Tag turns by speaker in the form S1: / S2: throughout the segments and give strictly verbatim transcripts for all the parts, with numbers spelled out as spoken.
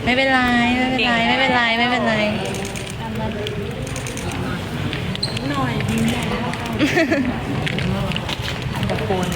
S1: ไม่เป็นไรไม่เป็นไรไม่เป็นไรไม่เป็นไรหน่อยยิ้มตะโกน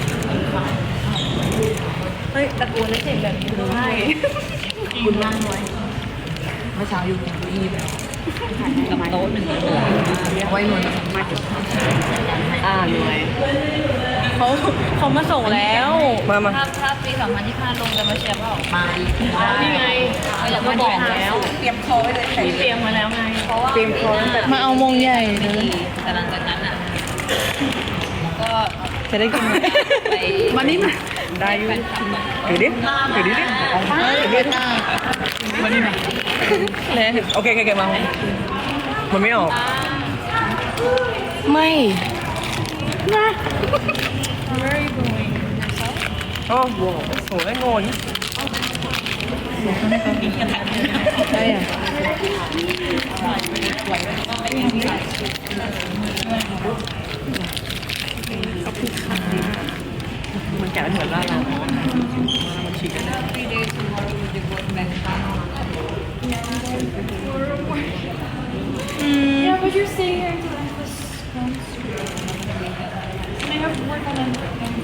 S1: เฮ้ยตะโกนแล้วเสียงแบบนี้ได้คุณนั่งไว้เมื่อเช้าอยู่กินกุ้ยแบบกับโต๊ะหนึ่งเอาไว้หน่วยมาจุดอ่าหน่วยเขาเขามาส่งแล้วมามาถ้าปีสองพันยี่สิบห้าลงจะมาเชียร์เปล่ามานี่ไงเราก็บอกแล้วเตรียมคอไว้เลยเตรียมมาแล้วไงเพราะว่าเตรียมคอมาเอามงใหญ่เลยแต่หลังจากนั้นอ่ะก็จะได้กินไปมานี่มาได้อยู่ถือดิถือดิดิเอาไปถือดิมานี่มาเลยโอเคโอเคมามันไม่ออกไม่นะ Where are you going? Yourself? Oh, wow. So I'm going. ใช่อ่ะมันแกะเหมือนล่าเรามันฉีกกันนะYeah, but you're staying here until Endless comes. And I have to work on Endless comes.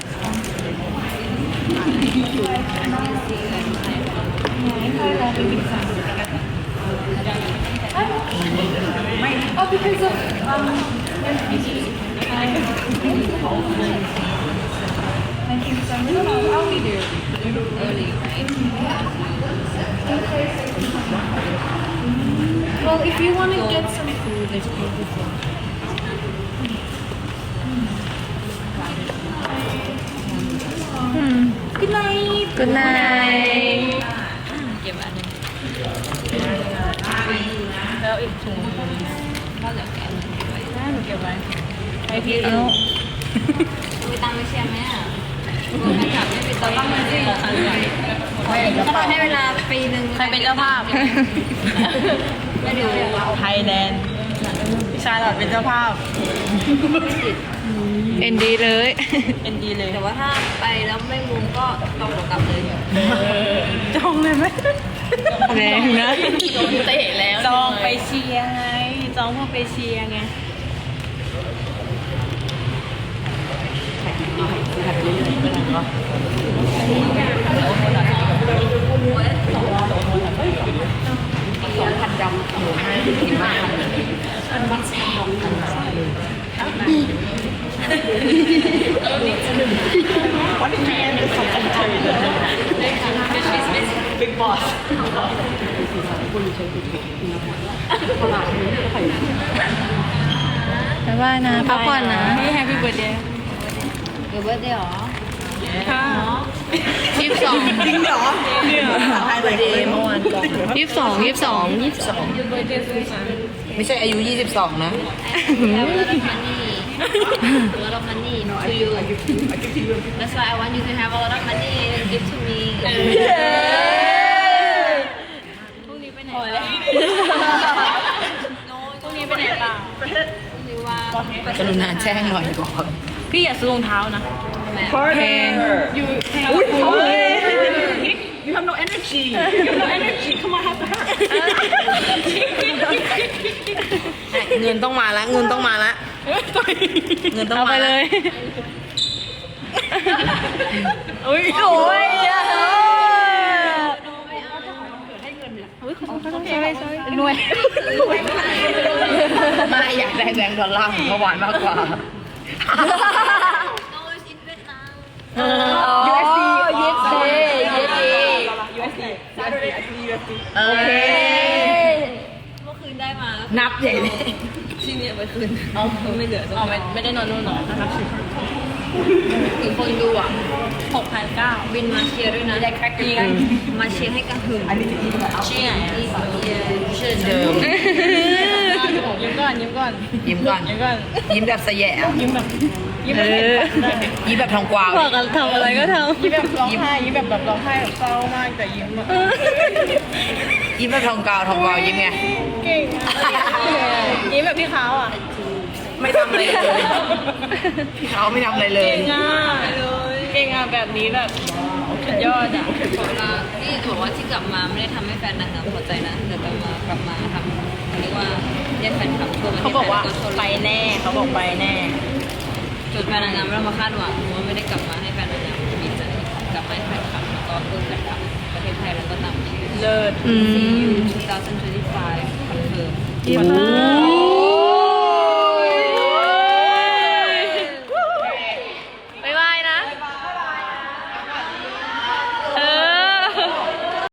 S1: Oh, because of um, nineteen December. No, no, I'll be there early, right? Well, if you want to get some food, there's probably food. Hmm. Good night. Good night. เก็บอันนึงแล้วอีกถุงก็เหลือแกะไว้ได้หนูเก็บไว้ไปพี่เอาไปตังไปเชียร์ไหมอ่ะไม่ถามไม่ไปต่อต้องมาสิก็ทำให้เวลาปีหนึ่งใครเป็นเจ้าภาพไม่ดูไทยแลนด์พี่ชายหลอดเป็นเจ้าภาพเอ็นดีเลยเอ็นดีเลยแต่ว่าถ้าไปแล้วไม่มุมก็ต้องกลับเลยจองเลยไหมแรงนะโดนเตะแล้วจองไปเชียร์ไงจองเพื่อไปเชียร์ไงพันดำหมูให้กินมากอันบัสดำพันดำเลยวันนี้แม่เป็นสองคนเฉยเลยบิ๊กบอสบ๊ายบายนะพักผ่อนนะนี่แฮปปี้เบิร์ดเดย์เบิร์ดเดย์หรอค่ะยี่สิบสองจริงเหรอเนี่ยเบิร์ดเดย์เมื่อวานก่อนยี่สิบสองยี่สิบสองยี่สิบสองไม่ใช่อายุยี่สิบสองนะ a lot of money to you. That's why I want you to have a lot of money and give to me. พรุ่งนี้ไปไหนพรุ่งนี้ไปไหนเปล่าพรุ่งนี้ว่ากรุณาแจ้งหน่อยก่อนพี่อย่าซื้อรองเท้านะแพง You You have no energy. You have no energy. Come on, have to hurt. เงินต้องมาแล้วเงินต้องมาแล้วเงินต้องมาเลยอุ้ยโอ้ยอ่ะหน่วยมาอยากได้แบงค์ดอลลาร์ของเมื่อวานมากกว่ายูเอสดียูเอสดียูเอสดียูเอสดีโอเคเมื่อคืนได้มานับใหญ่เลยที่นี่ไปคืนเอาไม่เหลือเอาไม่ไม่ได้นอนนู่นหรอนะครับถึงคนดูอ่ะหกพันเก้าบินมาเชียร์ด้วยนะได้แค่กินมาเชียร์ให้กระหึ่มเชียร์เชียร์เดิมยิ้มก่อนยิ้มก่อนยิ้มก่อนยิ้มก่อนยิ้มแบบสแยะยิ้มแบบยิ้มแบบยิ้มแบบทองกวาวบอกกันทำอะไรก็ทำยิ้มแบบร้องไห้ยิ้มแบบแบบร้องไห้แบบเศร้ามากแต่ยิ้มยิ้มแบบทองกวาวทองกวาวยิ้มไงเก่งยิ้มแบบพี่เขาอ่ะไม่ทำอะไรเลยพี่เขาไม่ทำอะไรเลยเก่งอ่ะเลยเก่งอ่ะแบบนี้แบบโอเคยอดอ่ะขอเวลาที่จะบอกว่าที่กลับมาไม่ได้ทำให้แฟนนางงามพอใจนะแต่กลับมากลับมาทำเรียกว่าเรียกแฟนคลับทั่วประเทศเขาบอกว่าไปแน่เขาบอกไปแน่จนแฟนนางงามไม่ต้องมาคาดหวังว่าไม่ได้กลับมาให้แฟนนางงามมีใจกลับมาให้แฟนคลับแล้วก็เพิ่มแฟนคลับประเทศไทยแล้วก็ตามชื่อเลิศ ซี ยู สองพันยี่สิบห้าคอนเฟิร์ม